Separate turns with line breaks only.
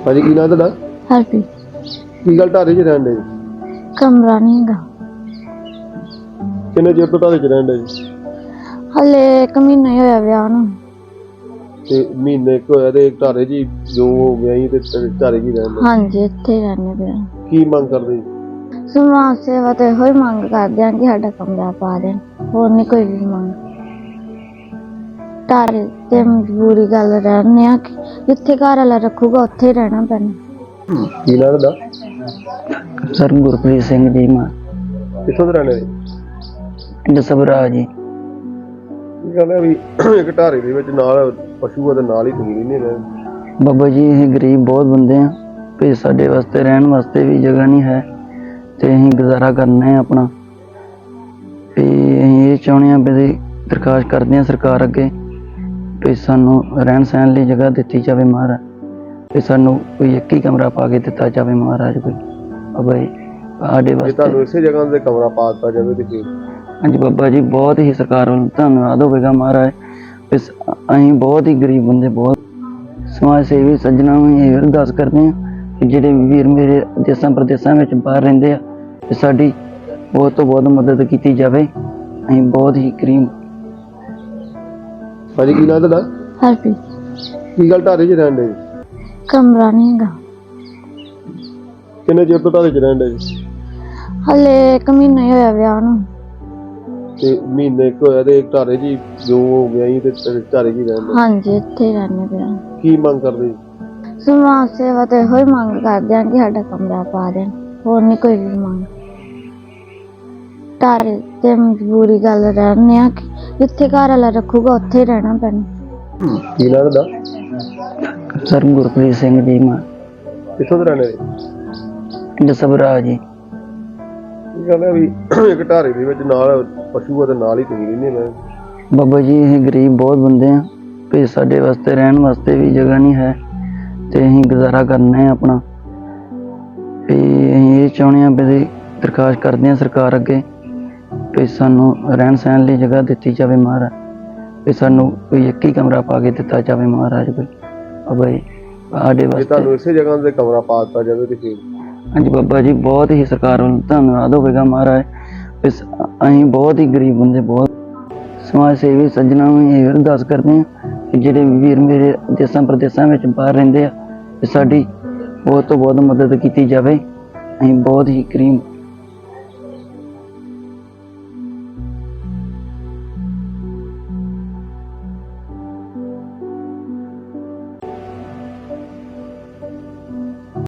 ਭਾਜੀ ਕੀ ਨਾਂ ਤੁਹਾਡਾ?
ਹਰਪ੍ਰੀਤ।
ਕੀ ਗੱਲ ਢਾਰੇ 'ਚ ਰਹਿਣ ਦੇ?
ਕਮਰਾ ਨਹੀਂ ਹੈਗਾ।
ਕਿੰਨੇ ਚਿਰ ਤੋਂ ਢਾਰੇ 'ਚ ਰਹਿਣ ਦੇ?
ਹਲੇ 1 ਮਹੀਨਾ ਹੀ ਹੋਇਆ ਵਿਆਹ ਨੂੰ।
ਤੇ ਮਹੀਨੇ ਕੁ ਹੋਇਆ ਤੇ ਢਾਰੇ 'ਚ ਹੀ ਜੋ ਹੋ ਗਿਆ ਸੀ ਤੇ ਢਾਰੇ 'ਚ ਹੀ ਰਹਿਣ ਦੇ?
ਹਾਂਜੀ, ਇੱਥੇ ਹੀ ਰਹਿੰਦੇ ਪਏ।
ਕੀ ਮੰਗ ਕਰਦੇ?
ਸਮਾਜ ਸੇਵਾ ਤੇ ਇਹੋ ਹੀ ਮੰਗ ਕਰਦੇ ਹਾਂ ਕਿ ਸਾਡਾ ਕਮਰਾ ਪਾ ਦੇਣ, ਹੋਰ ਨਹੀਂ ਕੋਈ ਵੀ ਮੰਗ। ਢਾਰੇ ਤੇ ਮਜਬੂਰੀ ਗੱਲ ਰਹਿੰਦੇ ਆ ਕਿ ਜਿੱਥੇ ਘਰ ਵਾਲਾ ਰੱਖੂਗਾ ਉੱਥੇ ਹੀ ਰਹਿਣਾ ਪੈਣਾ।
ਕੀ ਨਾਂ ਤੁਹਾਡਾ?
ਸਰ ਗੁਰਪ੍ਰੀਤ ਸਿੰਘ ਜੀ ਮਾਂ
ਕਿੱਥੋਂ ਦੇ ਰਹਿਣੇ?
ਜਸਬਰਾ ਜੀ।
ਕੀ ਗੱਲ ਹੈ ਵੀ ਇੱਕ ਢਾਰੇ ਦੇ ਵਿੱਚ ਨਾਲ ਪਸ਼ੂ ਆ ਤੇ ਨਾਲ ਹੀ ਤੁਸੀਂ ਨਹੀਂ ਰਹੇ?
ਬਾਬਾ ਜੀ ਅਸੀਂ ਗਰੀਬ ਬਹੁਤ ਬੰਦੇ ਆ ਤੇ ਸਾਡੇ ਵਾਸਤੇ ਰਹਿਣ ਵਾਸਤੇ ਵੀ ਜਗ੍ਹਾ ਨਹੀਂ ਹੈ ਤੇ ਅਸੀਂ ਗੁਜ਼ਾਰਾ ਕਰਨਾ ਹੈ ਆਪਣਾ। ਤੇ ਅਸੀਂ ਇਹ ਚਾਹੁੰਦੇ ਹਾਂ ਵੀ ਦਰਖਾਸਤ ਕਰਦੇ ਹਾਂ ਸਰਕਾਰ ਅੱਗੇ ਵੀ ਸਾਨੂੰ ਰਹਿਣ ਸਹਿਣ ਲਈ ਜਗ੍ਹਾ ਦਿੱਤੀ ਜਾਵੇ ਮਹਾਰਾਜ, ਤੇ ਸਾਨੂੰ ਕੋਈ ਇੱਕ ਹੀ ਕਮਰਾ ਪਾ ਕੇ ਦਿੱਤਾ ਜਾਵੇ ਮਹਾਰਾਜ ਕੋਈ। ਬਾਬਾ ਜੀ ਸਾਡੇ
ਜੇ
ਵਾਸਤੇ
ਤੁਹਾਨੂੰ ਇਸੇ ਜਗ੍ਹਾ ਤੇ ਕਮਰਾ ਪਾ ਦਿੱਤਾ ਜਾਵੇ ਤੇ ਫਿਰ?
ਹਾਂਜੀ ਬਾਬਾ ਜੀ, ਬਹੁਤ ਹੀ ਸਰਕਾਰ ਵੱਲੋਂ ਧੰਨਵਾਦ ਹੋਵੇਗਾ ਮਹਾਰਾਜ। ਅਸੀਂ ਬਹੁਤ ਹੀ ਗਰੀਬ ਬੰਦੇ, ਬਹੁਤ ਸਮਾਜ ਸੇਵੀ ਸੱਜਣਾ ਨੂੰ ਇਹ ਅਰਦਾਸ ਕਰਦੇ ਹਾਂ ਕਿ ਜਿਹੜੇ ਵੀਰ ਮੇਰੇ ਦੇਸਾਂ ਪ੍ਰਦੇਸਾਂ ਵਿੱਚ ਬਾਹਰ ਰਹਿੰਦੇ ਆ ਤੇ ਸਾਡੀ ਬਹੁਤ ਤੋਂ ਬਹੁਤ ਮਦਦ ਕੀਤੀ ਜਾਵੇ। ਅਸੀਂ ਬਹੁਤ ਹੀ ਗਰੀਬ।
ਭਾਜੀ ਕੀ ਨਾਂ ਤੁਹਾਡਾ?
ਹਰਪ੍ਰੀਤ।
ਕੀ ਗੱਲ ਢਾਰੇ 'ਚ ਰਹਿਣ ਦੇ?
ਕਮਰਾ ਨਹੀਂ ਹੈਗਾ।
ਕਿੰਨੇ ਚਿਰ ਤੋਂ ਢਾਰੇ 'ਚ ਰਹਿਣ ਦੇ?
ਹਲੇ 1 ਮਹੀਨਾ ਹੀ ਹੋਇਆ ਵਿਆਹ ਨੂੰ।
ਤੇ ਮਹੀਨੇ ਕੁ ਹੋਇਆ ਤੇ ਢਾਰੇ 'ਚ ਹੀ ਜੋ ਹੋ ਗਿਆ ਸੀ ਤੇ ਢਾਰੇ 'ਚ ਹੀ ਰਹਿਣ ਦੇ?
ਹਾਂਜੀ, ਇੱਥੇ ਹੀ ਰਹਿੰਦੇ ਪਏ।
ਕੀ ਮੰਗ ਕਰਦੇ?
ਸਮਾਜ ਸੇਵਾ ਤੇ ਇਹੋ ਹੀ ਮੰਗ ਕਰਦੇ ਹਾਂ ਕਿ ਸਾਡਾ ਕਮਰਾ ਪਾ ਦੇਣ, ਹੋਰ ਨਹੀਂ ਕੋਈ ਵੀ ਮੰਗ। ਢਾਰੇ ਤੇ ਮਜਬੂਰੀ ਗੱਲ ਰਹਿੰਦੇ ਆ ਕਿ ਜਿੱਥੇ ਘਰ ਵਾਲਾ ਰੱਖੂਗਾ ਉੱਥੇ ਹੀ ਰਹਿਣਾ ਪੈਣਾ।
ਕੀ ਨਾਂ ਤੁਹਾਡਾ?
ਸਰ ਗੁਰਪ੍ਰੀਤ ਸਿੰਘ ਜੀ ਮਾਂ
ਕਿੱਥੋਂ ਦੇ ਰਹਿਣੇ?
ਜਸਬਰਾ ਜੀ।
ਕੀ ਗੱਲ ਹੈ ਵੀ ਇੱਕ ਢਾਰੇ ਦੇ ਵਿੱਚ ਨਾਲ ਪਸ਼ੂ ਆ ਤੇ ਨਾਲ ਹੀ ਤੁਸੀਂ ਨਹੀਂ ਰਹੇ?
ਬਾਬਾ ਜੀ ਅਸੀਂ ਗਰੀਬ ਬਹੁਤ ਬੰਦੇ ਆ ਤੇ ਸਾਡੇ ਵਾਸਤੇ ਰਹਿਣ ਵਾਸਤੇ ਵੀ ਜਗ੍ਹਾ ਨਹੀਂ ਹੈ ਤੇ ਅਸੀਂ ਗੁਜ਼ਾਰਾ ਕਰਨਾ ਹੈ ਆਪਣਾ। ਤੇ ਅਸੀਂ ਇਹ ਚਾਹੁੰਦੇ ਹਾਂ ਵੀ ਦਰਖਾਸਤ ਕਰਦੇ ਹਾਂ ਸਰਕਾਰ ਅੱਗੇ ਵੀ ਸਾਨੂੰ ਰਹਿਣ ਸਹਿਣ ਲਈ ਜਗ੍ਹਾ ਦਿੱਤੀ ਜਾਵੇ ਮਹਾਰਾਜ, ਤੇ ਸਾਨੂੰ ਕੋਈ ਇੱਕ ਹੀ ਕਮਰਾ ਪਾ ਕੇ ਦਿੱਤਾ ਜਾਵੇ ਮਹਾਰਾਜ ਕੋਈ। ਬਾਬਾ ਜੀ ਸਾਡੇ
ਜੇ
ਵਾਸਤੇ
ਤੁਹਾਨੂੰ ਇਸੇ ਜਗ੍ਹਾ ਤੇ ਕਮਰਾ ਪਾ ਦਿੱਤਾ ਜਾਵੇ ਤੇ ਫਿਰ?
ਹਾਂਜੀ ਬਾਬਾ ਜੀ, ਬਹੁਤ ਹੀ ਸਰਕਾਰ ਵੱਲੋਂ ਧੰਨਵਾਦ ਹੋਵੇਗਾ ਮਹਾਰਾਜ। ਅਸੀਂ ਬਹੁਤ ਹੀ ਗਰੀਬ ਬੰਦੇ, ਬਹੁਤ ਸਮਾਜ ਸੇਵੀ ਸੱਜਣਾ ਨੂੰ ਇਹ ਅਰਦਾਸ ਕਰਦੇ ਹਾਂ ਕਿ ਜਿਹੜੇ ਵੀਰ ਮੇਰੇ ਦੇਸਾਂ ਪ੍ਰਦੇਸਾਂ ਵਿੱਚ ਬਾਹਰ ਰਹਿੰਦੇ ਆ ਤੇ ਸਾਡੀ ਬਹੁਤ ਤੋਂ ਬਹੁਤ ਮਦਦ ਕੀਤੀ ਜਾਵੇ। ਅਸੀਂ ਬਹੁਤ ਹੀ ਗਰੀਬ